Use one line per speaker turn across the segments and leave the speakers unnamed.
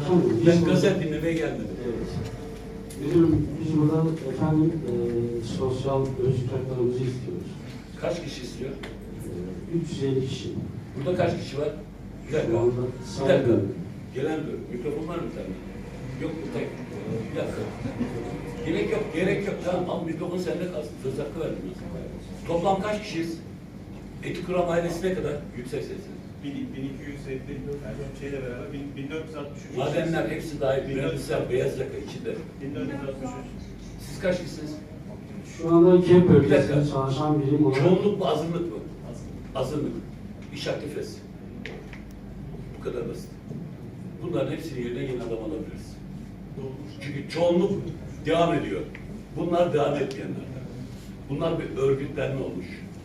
Efendim,
Ben gazet dinlemeye gelmedim.
Evet. Müdürüm, biz buradan efendim sosyal özgürlük haklarımızı istiyoruz.
Kaç kişi istiyor?
350 kişi.
Burada kaç kişi var? Bir dakika.
Şu anda
Bir dakika. Gelen bir mikrofon var mı sende? Yok bu tek. Bir dakika. Gerek yok, gerek yok. Tamam al mikrofon sende kalsın. Söz hakkı verdim. Toplam kaç kişiyiz? Etik kuram ailesine kadar yüksek sesli.
1250 şeyle beraber 1463.
Madenler hepsi dahil. Mühendisler beyaz yaka içinde.
1463.
Siz kaç kişisiniz?
Şu anda KEP
Bir
bölgesinde
dakika.
çalışan birim olarak
Çoğunluk mu, azınlık mı? Azınlık. İş aktifesi. Bu kadar basit. Bunların hepsini yerine yeni adam alabiliriz. Çünkü çoğunluk devam ediyor. Bunlar devam etmeyenler. Bunlar bir örgütlenme olmuş.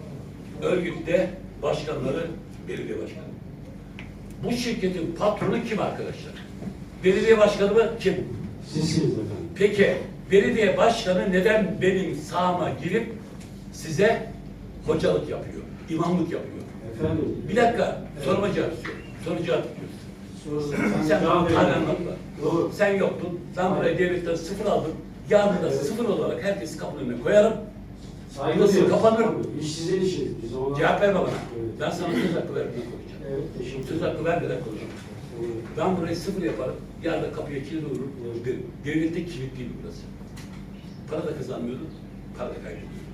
Örgütte başkanları belediye başkanı. Bu şirketin patronu kim arkadaşlar? Belediye başkanı mı? Kim?
sizsiniz efendim.
Peki belediye başkanı neden benim sahama girip size hocalık yapıyor, imamlık yapıyor?
Efendim.
Bir dakika, soruma cevap istiyorum. Soru cevap istiyorsun. Sen
cevap verin.
anlatma.
Doğru.
Sen yoktun, ben buraya devletten sıfır aldım. Yarın da sıfır olarak herkesi kapının önüne koyarım.
Saygı
Burası
duyuyoruz.
kapanır.
İş sizin işiniz. Biz ona...
Cevap verme bana.
Evet.
Ben sana söz hakkı vermeden konuşacağım.
Evet, teşekkür
Söz
ederim.
hakkı vermeden konuşacağım. Ben burayı sıfır yaparım. Yarın da kapıya kilit vururum. Devlette kilit değil burası. Para da kazanmıyordum, para da kaybediyordum.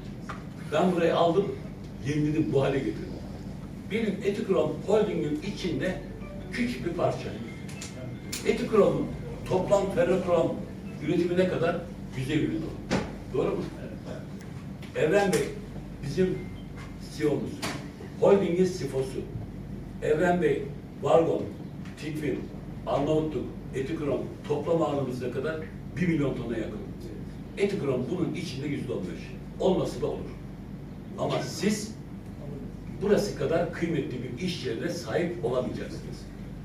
Ben burayı aldım, yeniledim, bu hale getirdim. Benim Etikrom Holding'in içinde küçük bir parça. Etikrom'un toplam ferrokrom üretimi ne kadar? 150 milyon dolar. Doğru mu? Evren Bey, bizim CEO'muz. Holding'in CFO'su. Evren Bey, Vargon, Tikvin, Arnavutluk, Etikrom toplam ağırlığımız ne kadar? 1 milyon tona yakın. Etikrom bunun içinde %15. Olması da olur. Ama siz burası kadar kıymetli bir iş yerine sahip olamayacaksınız.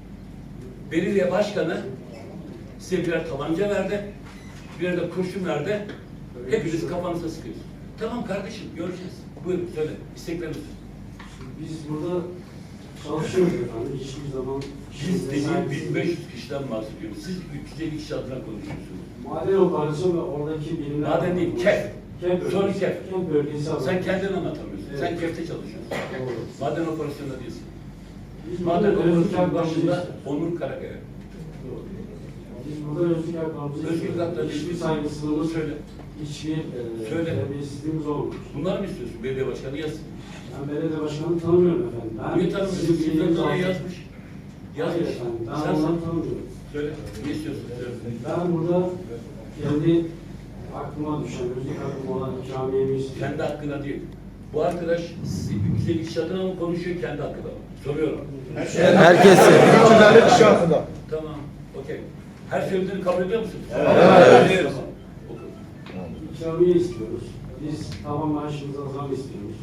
Belediye başkanı size birer tabanca verdi, birer de kurşun verdi. Hepiniz kafanıza sıkıyorsunuz. Tamam kardeşim, göreceğiz. Buyurun söyle, istekleriniz.
Biz burada çalışıyoruz efendim. Hiçbir zaman...
Biz dediğim 1500 kişiden bahsediyoruz. Siz 350 kişi adına konuşuyorsunuz.
Maden operasyon ve oradaki birimler...
Maden değil, KEF.
KEF
Sonra
bölgesi.
KEF.
KEF bölgesi.
Sen kendin anlatamıyorsun.
Evet.
Sen KEF'te çalışıyorsun.
Doğru.
Maden operasyonunda değilsin.
Biz
Maden
burada özgürlük
operasyonu
haklarımızı
başında
istiyoruz.
Onur Karakaya.
Doğru. Biz burada özgürlük haklarımızı
Özgürlük
istiyoruz.
haklarını
Hiçbir
istiyorsun.
saygısızlığımız,
Söyle.
hiçbir
Söyle.
terbiyesizliğimiz olmamış.
Bunları mı istiyorsun? Belediye başkanı yazsın.
Ben belediye başkanını tanımıyorum efendim. Ben
Niye tanımıyorsun?
sizin
Sizden
bildiğiniz
dolayı
altı-
yazmış.
Hayır
Yazmış.
efendim. Ben
Sen
onları tanımıyorum.
söyle. Ne istiyorsun? Söyle.
Ben burada kendi aklıma düşen, özgürlük hakkım olan ikamiyemi istiyorum.
Kendi hakkına değil. Bu arkadaş bize iş adına mı konuşuyor, kendi hakkında mı? Soruyorum.
Herkesi.
kişi hakkında.
Tamam, okey. Her söylediğini kabul ediyor musun?
Evet.
Tamam, oku.
İkramiye istiyoruz. Biz tavan maaşımıza zam istiyoruz.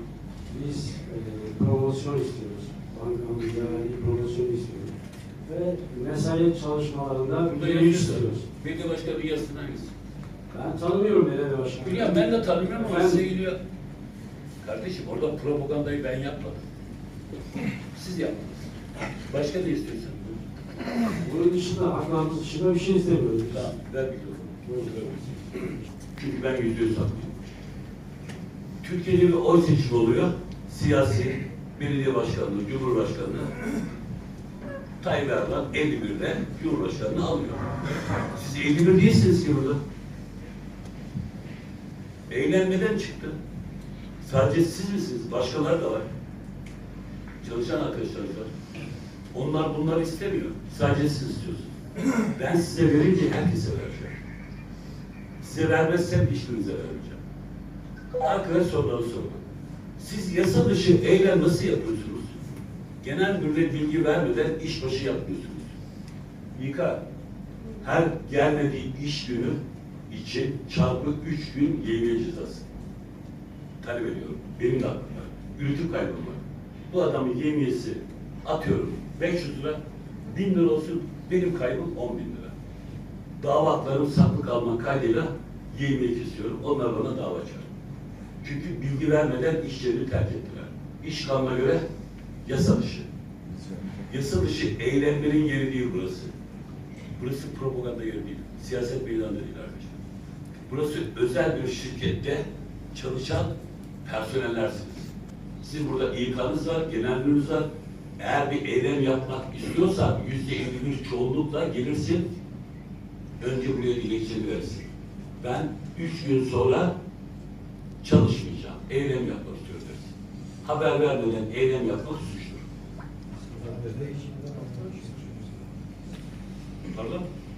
Biz promosyon istiyoruz. Bankamızda verdiği promosyonu istiyoruz. Ve mesai çalışmalarında
Burada
bir
yazıyorsun.
istiyoruz.
Belediye başkanı yazsın hangisi?
Ben tanımıyorum belediye başkanı.
Biliyorum, ben de tanımıyorum ama
Ben-
size geliyor. Kardeşim, orada propagandayı ben yapmadım. Siz yaptınız. Başka ne istiyorsun?
Bunun dışında, haklarımız dışında bir şey istemiyoruz.
Tamam, ver mikrofonu. Çünkü ben %100 haklıyım. Türkiye'de bir oy seçimi oluyor. Siyasi, belediye başkanlığı, cumhurbaşkanlığı. Tayyip Erdoğan 51'de cumhurbaşkanlığı alıyor. Siz 51 değilsiniz ki burada. Eğlenmeden çıktı. Sadece siz misiniz? Başkaları da var. Çalışan arkadaşlarımız var. Onlar bunları istemiyor. Sadece siz istiyorsunuz. Ben size verince herkese vereceğim. Size vermezsem hiçbirinize vermeyeceğim. Arkadaş soruları sorun. Siz yasa dışı eylem nasıl yapıyorsunuz? Genel müdürle bilgi vermeden iş başı yapmıyorsunuz. İK, her gelmediği iş günü için çarpı 3 gün yevmiye cezası talep ediyorum. Benim de hakkım var. Üretim kaybım var. Bu adamın yevmiyesi atıyorum 500 lira, 1000 lira olsun, benim kaybım 10.000 lira. Dava haklarım saklı kalma kaydıyla yevmiye kesiyorum. Onlar bana dava açar. Çünkü bilgi vermeden iş yerini terk ettiler. İş kanuna göre yasa dışı. Yasa dışı eylemlerin yeri değil burası. Burası propaganda yeri değil. Siyaset meydanı da değil arkadaşlar. Burası özel bir şirkette çalışan personellersiniz. Sizin burada İK'nız var, genel müdürünüz var. Eğer bir eylem yapmak istiyorsan %51 çoğunlukla gelirsin. Önce buraya dilekçeni verirsin. Ben 3 gün sonra çalışmayacağım. Eylem yapmak istiyorum dersin. Haber vermeden eylem yapmak suçtur. Pardon?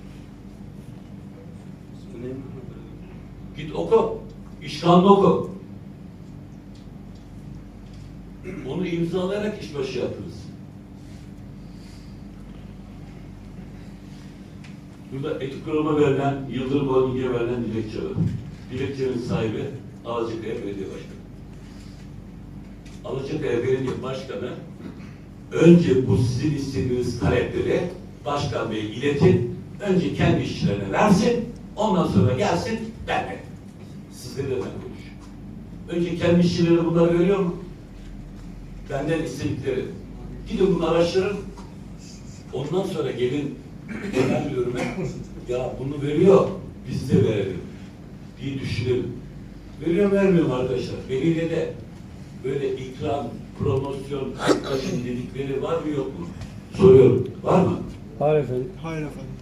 Git oku. İşkanlı oku. Onu imzalayarak işbaşı yaptınız. Burada etik kuruma verilen, Yıldırım Holding'e verilen dilekçe var. Dilekçenin sahibi Alacakaya Belediye Başkanı. Alacakaya Belediye Başkanı önce bu sizin istediğiniz talepleri Başkan Bey'e iletin. Önce kendi işçilerine versin. Ondan sonra gelsin benle. Sizlerle ben konuşuyorum. Önce kendi işçilerine bunları veriyor mu? Benden istedikleri. Gidin bunu araştırın. Ondan sonra gelin genel müdürüme ya bunu veriyor biz de verelim diye düşünelim. Veriyor mu vermiyor mu arkadaşlar? Belediyede böyle ikram, promosyon, taşın dedikleri var mı yok mu? Soruyorum. Var mı?
Hayır efendim. Hayır efendim.